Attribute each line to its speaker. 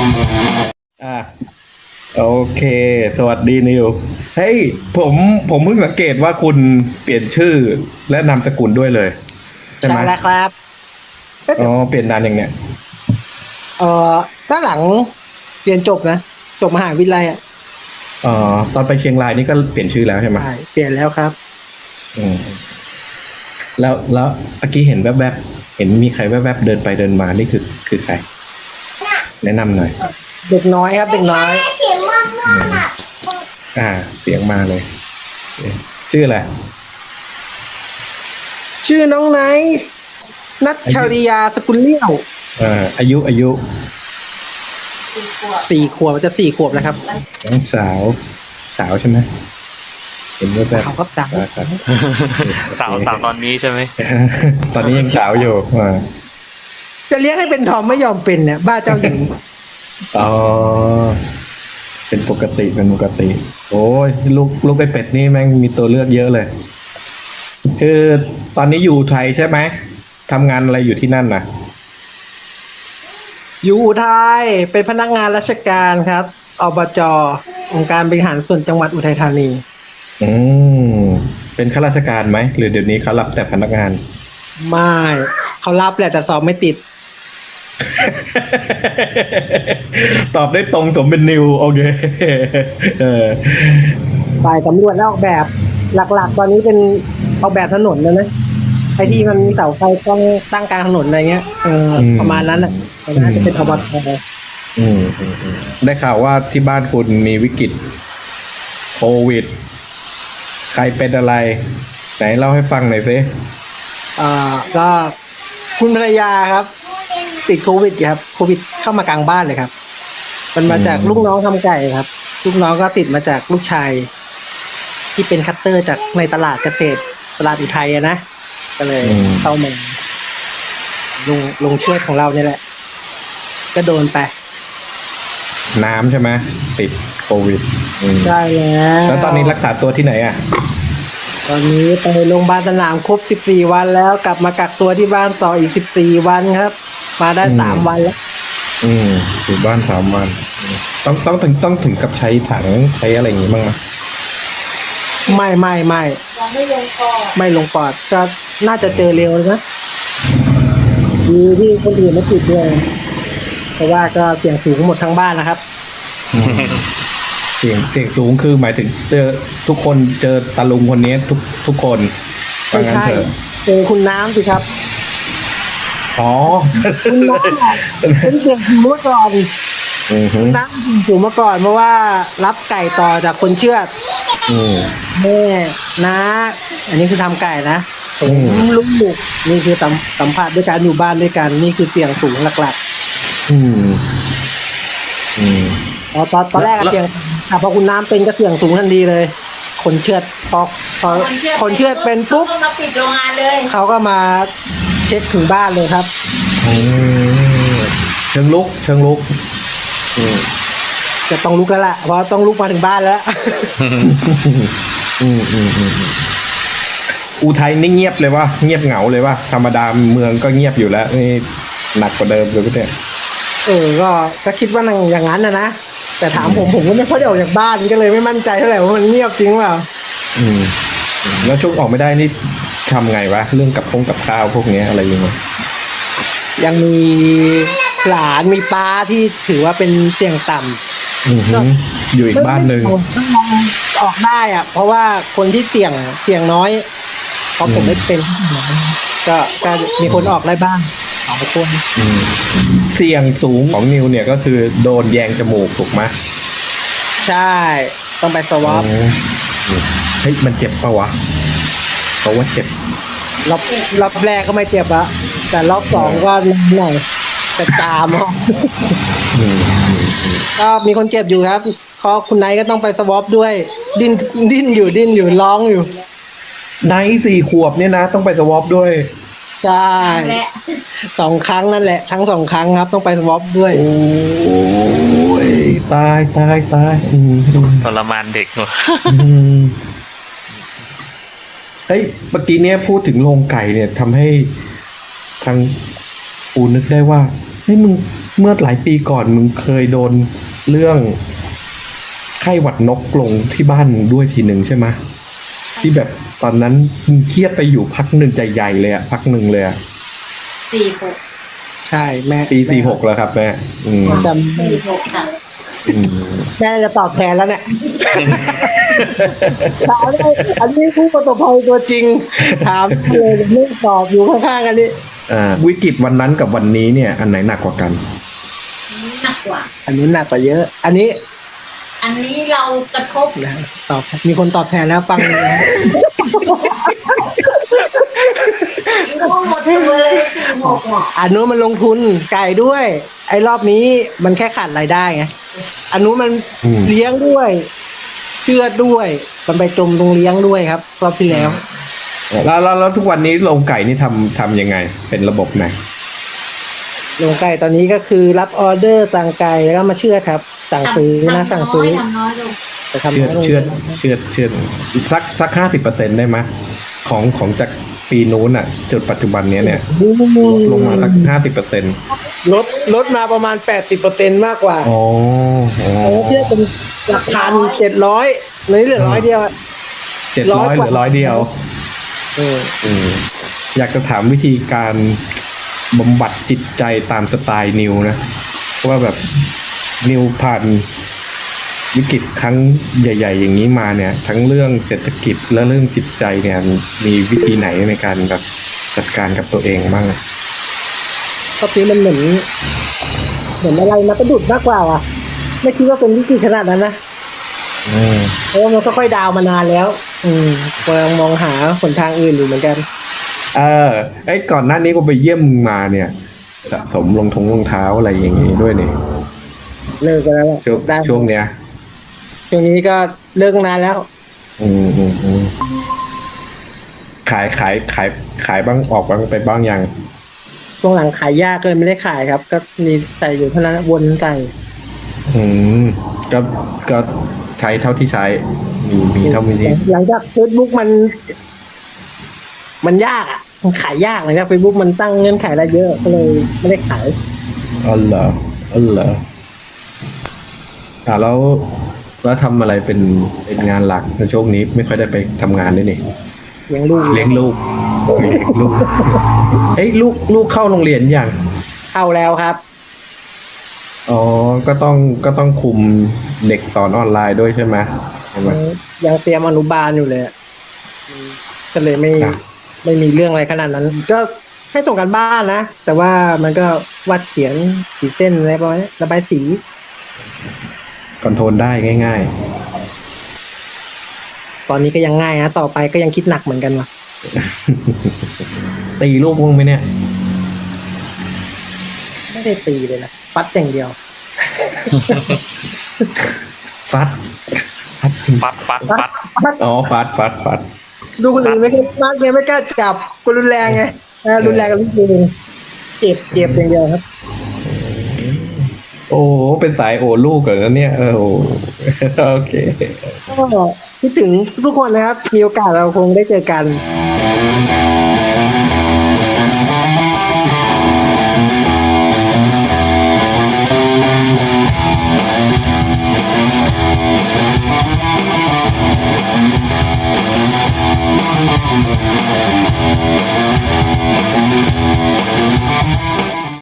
Speaker 1: อ่ะโอเค สวัสดีนิวเฮ้ยผมเพิ่งสังเกตว่าคุณเปลี่ยนชื่อและนามสกุลด้วยเลยใช่
Speaker 2: ใช่
Speaker 1: ไหม
Speaker 2: แล้วครับก็
Speaker 1: อ๋อ
Speaker 2: แต่
Speaker 1: เปลี่ยนนานอย่างเนี้ย
Speaker 2: เออก็หลังเรียนจบนะจบมหาวิทยาลัยอ่ะ
Speaker 1: อ๋อตอนไปเชียงรายนี่ก็เปลี่ยนชื่อแล้วใช่ไหม
Speaker 2: ใช่เปลี่ยนแล้วครับ
Speaker 1: อืมแล้วเมื่อกี้เห็นแวบๆเห็นมีใครแวบๆเดินไปเดินมานี่คือใครแนะนำหน่อย
Speaker 2: เด็กน้อยครับเด็กน้อย
Speaker 1: อืมอ่าเสียงมาเลยชื่ออะไร
Speaker 2: ชื่อน้องไนท์นัช
Speaker 1: อายุ
Speaker 2: ชริยาสกุลเลี้ยว
Speaker 1: อายุ
Speaker 2: 4 ขวบจะ4 ขวบแล้วครับ
Speaker 1: น้องสาวใช่ไหมเห็นแวบ
Speaker 2: เขาก็ดัง
Speaker 1: ๆครับ โอ
Speaker 3: สาว
Speaker 1: เค
Speaker 3: สาวตอนนี้ใช่ไหม
Speaker 1: ตอนนี้ยังสาวอยู่
Speaker 2: จะเลี้ยงให้เป็นทอมไม่ยอมเป็นเนี่ยบ้าเจ้าหญิง
Speaker 1: อ๋อเป็นปกติเป็นปกติ โอ้ยลูกไอเป็ดนี่แม่งมีตัวเลือกเยอะเลย คือตอนนี้อยู่ไทยใช่ไหมทำงานอะไรอยู่ที่นั่นน่ะ
Speaker 2: อยู่อุทัยเป็นพนักงานราชการครับอบจองค์การบริหารส่วนจังหวัดอุทัยธานี
Speaker 1: อืมเป็นข้าราชการไหมหรือเดี๋ยวนี้เขารับแต่พนักงาน
Speaker 2: ไม่เขารับแหละแต่สอบไม่ติด
Speaker 1: ตอบได้ตรงสมเป็นนิวโอเคเออ
Speaker 2: ฝ่ายสำรวจและออกแบบหลักๆตอนนี้เป็นออกแบบถนนนะไอ้ที่มันมีเสาไฟต้องตั้งกลางถนนอะไรเงี้ยประมาณนั้นอ่ะแต่น่าจะเป็นอบต
Speaker 1: ได้ข่าวว่าที่บ้านคุณมีวิกฤตโควิดใครเป็นอะไรไหนเล่าให้ฟังหน่อยสิ
Speaker 2: ก็คุณภรรยาครับ ติดโควิดครับโควิดเข้ามากลางบ้านเลยครับมันมาจากลูกน้องทำไก่ครับลูกน้องก็ติดมาจากลูกชายที่เป็นคัตเตอร์จากในตลาดเกษตรตลาดอุทัยนะก็เลยเข้ามาลงช่วยของเราเนี่ยแหละ ก็โดนไป
Speaker 1: น้ำใช่ไหมติดโควิด
Speaker 2: ใช่
Speaker 1: แล้วตอนนี้รักษาตัวที่ไหนอ่ะ
Speaker 2: ตอนนี้ไปโรงพยาบาลสนามครบ14 วันแล้วกลับมากักตัวที่บ้านต่ออีก14 วันครับมาได้3 วันแล้ว
Speaker 1: อยู่บ้าน3 วันต้องถึงกับใช้ถังใช้อะไรอย่างงี้บ้างไหม
Speaker 2: ไม่ยังไม่ลงปอดไม่ลงปอดก็น่าจะเจอเร็วนะดีที่คนอื่นไม่ติดด้วยเพราะว่าก็เสี่ยงสูงหมดทั้งบ้านนะครับ
Speaker 1: เสียงสูงคือหมายถึงเจอทุกคนเจอตาลุงคนนี้ทุกคน
Speaker 2: ไม่ใช่เจอคุณน้ำสิครับ
Speaker 1: อ๋อ
Speaker 2: คุณน้ำเป็นเสียงสูงเมื่อก่อนน้ำสูงเมื่อก่อนเพราะว่ารับไก่ต่อจากคนเชื่อดแม่นะอันนี้คือทำไก่นะลูกนี่คือสัมผัสด้วยการอยู่บ้านด้วยกันนี่คือเสียงสูงหลักๆตอนแรกเสียงพอคุณน้ำเป็นก็เสียงสูงทันทีเลยคนเชือดพอคนเชือดเป็นปุ๊บมาปิดโรงงานเลยเขาก็มาเช็คถึงบ้านเลยครับ
Speaker 1: เชิงลุก
Speaker 2: จะต้องลุกแล้วล่ะเพราะต้องลุกมาถึงบ้านแล้ว
Speaker 1: อุทัยนี่เงียบเลยว่าเงียบเหงาเลยว่าธรรมดาเมืองก็เงียบอยู่แล้วนี่หนักกว่าเดิมเลยพี่เนี่ย
Speaker 2: ก็คิดว่าอย่างนั้นนะแต่ถามผมก็ไม่ค่อยได้ออกจากบ้านก็เลยไม่มั่นใจเท่าไหร่ว่ามันเงียบจริงเปล่า
Speaker 1: แล้วช่วงออกไม่ได้นี่ทำไงวะเรื่องกับข้าวพวกนี้อะไรอย่างเงี้ย
Speaker 2: ยังมีหลานมีป้าที่ถือว่าเป็นเสี่ยงต่
Speaker 1: ำอยู่อีกบ้านหนึ่ง
Speaker 2: ออกได้อ่ะเพราะว่าคนที่เสี่ยงน้อยเพราะผมไม่เป็นก็มีคนออกได้บ้าง2 คน
Speaker 1: เสี่ยงสูงของนิวเนี่ยก็คือโดนแยงจมูกถูกไหม
Speaker 2: ใช่ต้องไปสวอป
Speaker 1: เฮ้ยมันเจ็บปะวะเขาว่าเจ็บ
Speaker 2: รอบแรกก็ไม่เจ็บอะแต่รอบ2ก็หน่อยแต่ตามก็มีคนเจ็บอยู่ครับเขาคุณไนท์ก็ต้องไปสวอปด้วยดิ้นอยู่ร้องอยู่
Speaker 1: ไนท์4 ขวบเนี่ยนะต้องไปสวอปด้วย
Speaker 2: ใช่2 ครั้งนั่นแหละทั้ง2 ครั้งครับต้องไปสวอปด้วย
Speaker 1: โอ้ยตาย
Speaker 3: ทรมานเด็กเนอะ
Speaker 1: เฮ้ยเมื่อกี้เนี้ยพูดถึงโรงไก่เนี่ยทำให้ทางปูนึกได้ว่าเฮ้ยมึงเมื่อหลายปีก่อนมึงเคยโดนเรื่องไข้หวัดนกลงที่บ้านด้วยทีหนึ่งใช่ไหมที่แบบตอนนั้นมึงเครียดไปอยู่พักหนึ่งใจใหญ่เลยอะพักหนึ่งเลยอะ
Speaker 4: 46
Speaker 2: ใช่แม่
Speaker 1: ปี46แล้วครับแม่อืม
Speaker 2: จำ
Speaker 4: 46ค่ะ
Speaker 1: อืม
Speaker 2: แม่จะตอบแทนแล้วเนี่ยถามได้อันนี้ผู้ประสบภัยตัวจริง ถามเลยไม่ตอบอยู่ข้างๆกันนี่
Speaker 1: วิกฤตวันนั้นกับวันนี้เนี่ย อันไหนหนักกว่ากัน
Speaker 4: หนักกว่า
Speaker 2: อันนู้นหนักกว่าเยอะ อันนี้
Speaker 4: อันนี้เรากระทบ
Speaker 2: นะตอบมีคนตอบแทนแล้วฟังเลยนะ
Speaker 4: ต้องหมดตัวเลย46อ่ะ
Speaker 2: อันนู้นมันลงทุนไก่ด้วย ไอ้รอบนี้มันแค่ขาดรายได้ไงอันนู้นมัน
Speaker 1: อืม
Speaker 2: เลี้ยงด้วยเชื่อดด้วย มันไปจมตรงเลี้ยงด้วยครับรอบที่แล้ว
Speaker 1: แล้วทุกวันนี้โรงไก่นี่ทำยังไง เป็นระบบไหน
Speaker 2: โรงไก่ตอนนี้ก็คือรับออเดอร์สั่งไก่แล้วก็มาเชื่อดครับสั่งซื้อนะสั่งซื้อ
Speaker 4: ทำน้อยลง
Speaker 2: แต่ทำ
Speaker 1: เชื่อ
Speaker 2: น้อยลง
Speaker 1: เชื่อสัก50%ได้ไหมของจากปีนู้นอ่ะจุดปัจจุบันเนี้ยเนี่ยลงมาสัก50%
Speaker 2: ลดมาประมาณ 80%มากกว่า
Speaker 1: อ๋อ
Speaker 2: เชื่อเป็นหลักพัน700เลยเหลือ100เดียวอะ
Speaker 1: 700เหลือ100เดียว อืมอยากจะถามวิธีการบำบัดจิตใจตามสไตล์นิวนะว่าแบบนิวผ่านวิกฤตครั้งใหญ่ ๆ อย่างนี้มาเนี่ย ทั้งเรื่องเศรษฐกิจและเรื่องจิตใจเนี่ยมีวิธีไหนในการแบบจัดการกับตัวเองบ้างอะ
Speaker 2: รอบนี้มันเหมือนอะไรมาประดุดมากกว่าว่ะไม่คิดว่าเป็นวิกฤตขนาดนั้นนะ
Speaker 1: อืม
Speaker 2: เพราะว่ามันก็ค่อยดาวมานานแล้ว กำลังมองหาหนทางอื่นอยู่เหมือนกัน
Speaker 1: ก่อนหน้านี้ก็ไปเยี่ยมมึงมาเนี่ยสะสมรองเท้าอะไรอย่างงี้ด้วยเนี่ย
Speaker 2: เลิกกันแล้วอะ
Speaker 1: ช่วง
Speaker 2: ได้
Speaker 1: ช่วงเนี้ย
Speaker 2: ช่วงนี้ก็เลิกนานแล้ว
Speaker 1: อืมขายบ้างออกบ้างไปบ้างยัง
Speaker 2: ช่วงหลังขายยากเลยไม่ได้ขายครับ ก็มีใส่อยู่เท่านั้นวนใส่
Speaker 1: อืมก็ใช้เท่าที่ใช้ มีเท่านี้
Speaker 2: หลังจากเฟซบุ๊กมันยากอ่ะมันขายยากหลังจากเฟซบุ๊กมันตั้งเงื่อนไขอะไรเยอะก็เลยไม่ได้ขาย
Speaker 1: อ๋อเหรอแล้วทำอะไรเป็นงานหลักในช่วงนี้ไม่ค่อยได้ไปทำงานด้วยนี่
Speaker 2: เลี้ยงลูก
Speaker 1: เลี้ยงลูกเอ้ยลูกเข้าโรงเรียนยัง
Speaker 2: เข้าแล้วครับ
Speaker 1: อ๋อก็ต้องคุมเด็กสอนออนไลน์ด้วยใช่ไหมใช่ไหม
Speaker 2: ยังเตรียมอนุบาลอยู่เลยอะก็เลยไม่
Speaker 1: ครับ
Speaker 2: ไม่มีเรื่องอะไรขนาดนั้น ก็ให้ส่งกันบ้านนะ แต่ว่ามันก็วาดเขียนสีเส้นอะไรประมาณนี้ระบายสี
Speaker 1: คอนโทรลได้ง่าย
Speaker 2: ตอนนี้ก็ยังง่ายนะต่อไปก็ยังคิดหนักเหมือนกันว่ะ
Speaker 1: ๆ ตีลูกมึงไหมเนี่ย
Speaker 2: ไม่ได้ตีเลยนะปัดอย่างเดียว
Speaker 1: ฟัด
Speaker 3: ปัด
Speaker 1: อ๋อฟัด
Speaker 2: ดูคนอื่นไม่กล้าปัดไงไม่กล้าจับคนรุนแรงไงรุนแรงกับลูกมือเจ็บอย่างเดียวครับ
Speaker 1: โอ้เป็นสายโอลูกเหรอเนี่ยโอ้ โอเค
Speaker 2: ก็คิดถึงทุกคนนะครับ มีโอกาสเราคงได้เจอกัน